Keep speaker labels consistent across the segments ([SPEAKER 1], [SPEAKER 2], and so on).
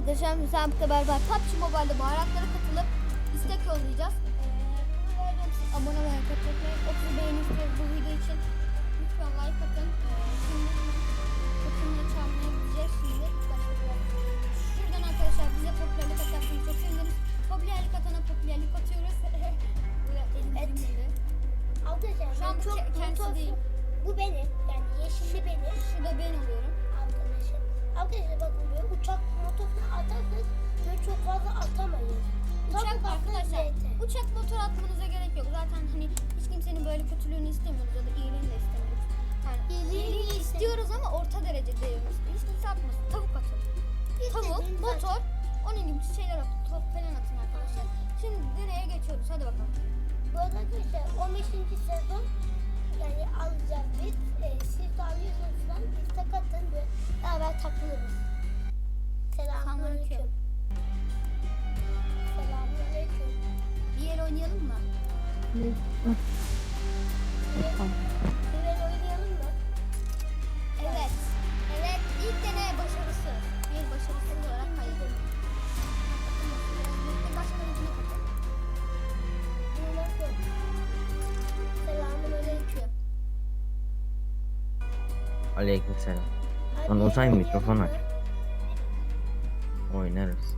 [SPEAKER 1] arkadaşlar müsabakla beraber PUBG Mobile'de baharatlara katılıp istek yollayacağız. Abone olmayı, katılmayı, 30 beğeni istiyoruz bu video için. Lütfen like atın. Şimdi kutumla çalmaya gideceğiz şimdi. Şuradan arkadaşlar bize popülerlik atarsanız çok seviniriz. Popülerlik atana popülerlik atıyoruz.
[SPEAKER 2] Arkadaşlar
[SPEAKER 1] şu an
[SPEAKER 2] çok
[SPEAKER 1] kendisi değil.
[SPEAKER 2] Bu benim. Yani yeşilli benim.
[SPEAKER 1] Şurada ben oluyorum.
[SPEAKER 2] Arkadaşlar. Arkadaşlar bakın böyle uçak motorunu atarsanız böyle çok fazla atamayız.
[SPEAKER 1] Uçak
[SPEAKER 2] Tabii
[SPEAKER 1] arkadaşlar.
[SPEAKER 2] zaten.
[SPEAKER 1] Uçak motor atmanıza gerek yok. Zaten hani hiç kimsenin böyle kötülüğünü istemiyoruz ya da iyiliğini de istemiyoruz. Yani iyiliğini istiyoruz ama orta derecede yiyoruz. Hiç kimse atmasın. Tavuk atın. Tavuk, motor, onun gibi şeyler atın. Top falan atın arkadaşlar. Şimdi nereye geçiyoruz? Hadi bakalım.
[SPEAKER 2] Bu arada arkadaşlar 15. sezon yani alacağız biz. Siz de alıyorsunuz falan. Biz de katın böyle beraber takılırız. Selamünaleyküm. Selamünaleyküm.
[SPEAKER 1] Bir yer oynayalım mı?
[SPEAKER 2] Bir el oynayalım mı?
[SPEAKER 1] Evet. Evet. İlk deney başarısı. Bir başarısı olarak kaydedelim. Başka ucuna katın.
[SPEAKER 2] Selamünaleyküm.
[SPEAKER 3] Aleykümselam.
[SPEAKER 2] Abi,
[SPEAKER 3] Lan Uzay mikrofon
[SPEAKER 2] oynayalım
[SPEAKER 3] aç.
[SPEAKER 2] mı?
[SPEAKER 3] Oynarız.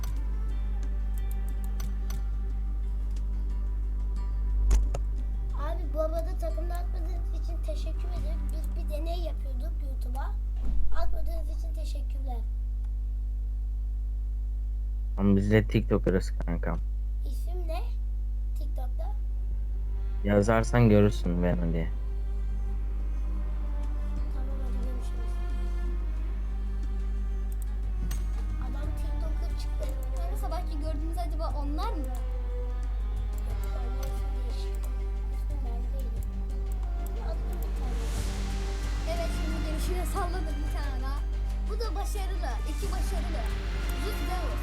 [SPEAKER 2] Abi bu arada takımda atmadığınız için teşekkür ederim. Biz bir deney yapıyorduk YouTube'a. Atmadığınız için teşekkürler.
[SPEAKER 3] Ama biz de TikToker'ız kankam.
[SPEAKER 2] İsim ne? TikTok'ta.
[SPEAKER 3] Yazarsan görürsün ben diye.
[SPEAKER 2] Tamam hadi görüşürüz. Adam TikTok'a çıktı.
[SPEAKER 1] Yani sabahki gördüğünüz acaba onlar mı?
[SPEAKER 2] Forması değişik. İsmi ben değilim. Adım bir tane.
[SPEAKER 1] Evet şimdi gelişine salladım bir tane daha. Bu da başarılı. İki başarılı. Zut Davos.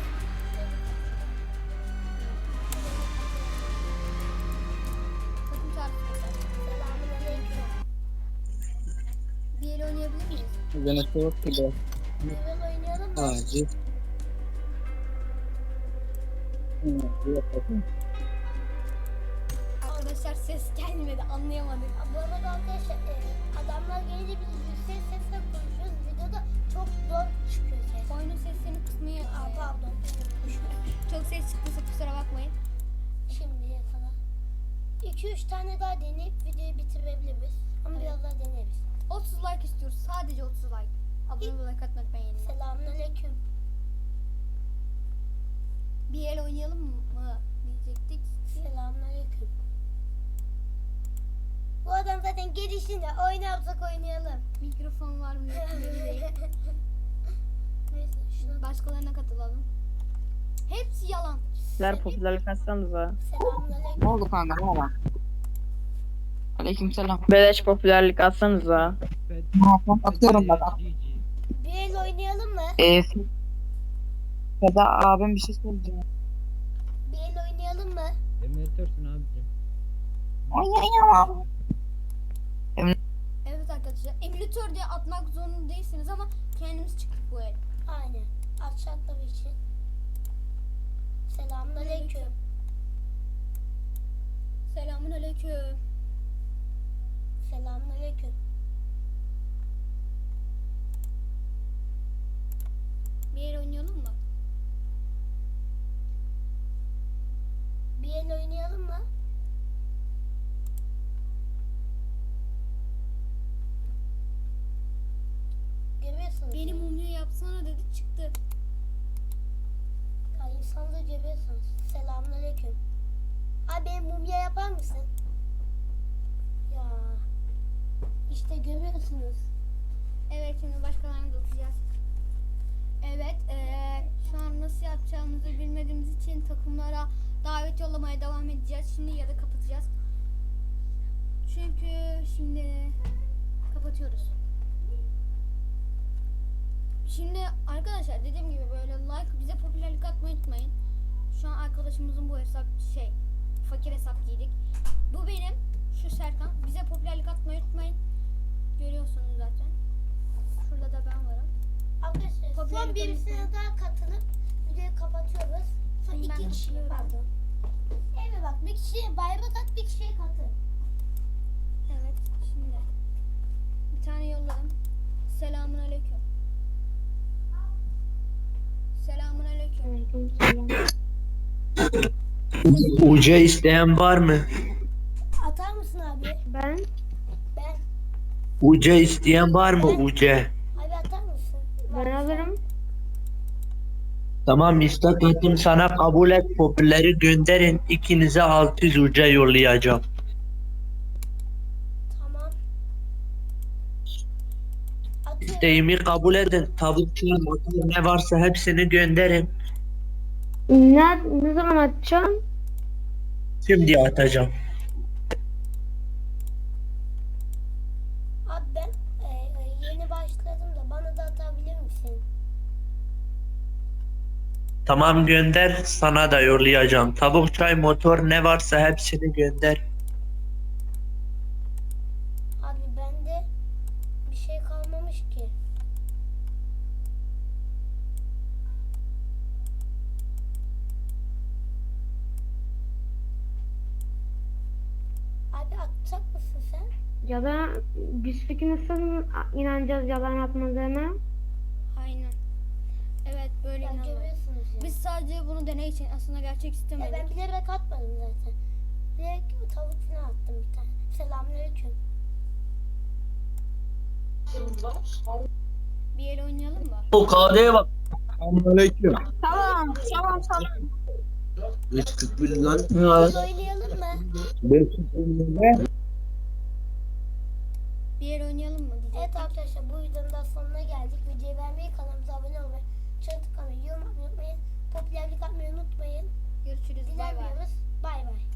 [SPEAKER 1] Takım çağrısı.
[SPEAKER 2] Selamünaleyküm.
[SPEAKER 1] Bir el oynayabilir miyiz?
[SPEAKER 4] Yönetmen yok ki de.
[SPEAKER 2] Level oynayalım mı?
[SPEAKER 4] Acil.
[SPEAKER 1] Arkadaşlar ses gelmedi anlayamadık.
[SPEAKER 2] Bu arada arkadaşlar adamlar gelince biz yüksek sesle konuşuyoruz. Videoda çok zor çıkıyor ses.
[SPEAKER 1] Oyunun seslerini kısmayı
[SPEAKER 2] Pardon.
[SPEAKER 1] çok ses çıktıysa kusura bakmayın.
[SPEAKER 2] Şimdiye kadar. 2-3 tane daha deneyip videoyu bitirebiliriz. Ama
[SPEAKER 1] Evet.
[SPEAKER 2] biraz daha deneriz.
[SPEAKER 1] 30 like istiyoruz. Sadece 30 like. Abone olmayı like atmayı unutmayın.
[SPEAKER 2] Selamünaleyküm.
[SPEAKER 1] Bir el oynayalım mı diyecektik.
[SPEAKER 2] Selamünaleyküm. Bu adam zaten gelişinde oynarsak oynayalım.
[SPEAKER 1] Mikrofon var mı? Yok mu belli değil.
[SPEAKER 2] Neyse şuna
[SPEAKER 1] Başkalarına katılalım. Hepsi yalan.
[SPEAKER 4] Sizler popülerlik atsanıza.
[SPEAKER 2] selamünaleyküm.
[SPEAKER 4] Ne oldu kanka? Ne oldu? Aleykümselam. Beleş popülerlik atsanıza. Atıyorum bak.
[SPEAKER 2] Bir el oynayalım mı?
[SPEAKER 4] Ya da abim bir şey söyleyeceğim.
[SPEAKER 2] Bir el oynayalım mı?
[SPEAKER 5] Emülatörsün abicim.
[SPEAKER 4] Oynayamam.
[SPEAKER 1] Evet arkadaşlar. Emülatör diye atmak zorunda değilsiniz ama kendimiz çıktık bu el.
[SPEAKER 2] Aynen. Açacakları için. Selamünaleyküm.
[SPEAKER 1] Selamun aleyküm.
[SPEAKER 2] Selamünaleyküm.
[SPEAKER 1] Bir el oynayalım mı?
[SPEAKER 2] Bir el oynayalım mı? Görüyorsunuz.
[SPEAKER 1] Beni mumya yapsana dedi çıktı.
[SPEAKER 2] Ya insanları görüyorsunuz. Selamünaleyküm. Abi benim mumya yapar mısın? Ya. İşte görüyorsunuz.
[SPEAKER 1] Evet şimdi başkalarını da atacağız. Evet şu an nasıl yapacağımızı bilmediğimiz için takımlara davet yollamaya devam edeceğiz. Şimdi ya da kapatacağız. Çünkü şimdi kapatıyoruz. Şimdi arkadaşlar dediğim gibi böyle like bize popülerlik atmayı unutmayın. Şu an arkadaşımızın bu hesap fakir hesap giydik. Bu benim şu Serkan. Bize popülerlik atmayı unutmayın. Görüyorsunuz zaten. Şurada da ben varım.
[SPEAKER 2] Arkadaşlar son
[SPEAKER 1] Popülerlik
[SPEAKER 2] birisine
[SPEAKER 1] konusunda-
[SPEAKER 2] daha katılıp videoyu kapatıyoruz. Sonra
[SPEAKER 1] Ben
[SPEAKER 2] iki kişi
[SPEAKER 1] katılıyorum.
[SPEAKER 2] pardon. Evet bak bir kişiye bayrak at, bir kişiye katıl.
[SPEAKER 1] Evet şimdi. Bir tane yolladım. Selamun aleyküm. Selamun aleyküm.
[SPEAKER 5] UC isteyen var mı?
[SPEAKER 2] Atar mısın abi?
[SPEAKER 4] Ben
[SPEAKER 2] Ben.
[SPEAKER 5] UC isteyen var mı UC?
[SPEAKER 2] Abi atar mısın?
[SPEAKER 4] ben alırım.
[SPEAKER 5] Tamam istek ettim sana kabul et popüleri gönderin ikinize 600 UC yollayacağım.
[SPEAKER 2] Tamam. Atıyorum.
[SPEAKER 5] İsteğimi kabul edin tavuk çiğ motor ne varsa hepsini gönderin.
[SPEAKER 4] Ne zaman atacağım?
[SPEAKER 5] Şimdi atacağım.
[SPEAKER 2] Abi ben yeni başladım da bana da atabilir misin?
[SPEAKER 5] Tamam gönder sana da yollayacağım. Tavuk çay motor ne varsa hepsini gönder.
[SPEAKER 2] Abi bende bir şey kalmamış ki. Abi atacak mısın sen?
[SPEAKER 4] Ya da biz peki nasıl inanacağız yalan atmadığına?
[SPEAKER 1] Aynen. Evet böyle
[SPEAKER 2] Ben
[SPEAKER 1] inanıyorum.
[SPEAKER 2] görüyorsunuz ya.
[SPEAKER 1] Biz sadece bunu deney için aslında gerçek istemedik.
[SPEAKER 2] Ben bilerek atmadım zaten. Direkt tavuk falan attım bir tane. Selamünaleyküm.
[SPEAKER 1] Bir el oynayalım mı?
[SPEAKER 5] O KD'ye bak.
[SPEAKER 6] Selamünaleyküm.
[SPEAKER 4] Tamam.
[SPEAKER 5] 341 lan.
[SPEAKER 2] Biz oynayalım mı?
[SPEAKER 6] 520'de
[SPEAKER 1] Bir el oynayalım mı? Diyecektim.
[SPEAKER 2] Evet arkadaşlar bu videonun da sonuna geldik. Videoyu beğenmeyi, kanalımıza abone olmayı, çan tıklamayı, yorum atmayı unutmayın. Popülerlik atmayı unutmayın.
[SPEAKER 1] Görüşürüz. Bay bay.
[SPEAKER 2] Dilemiyoruz. Bay bay.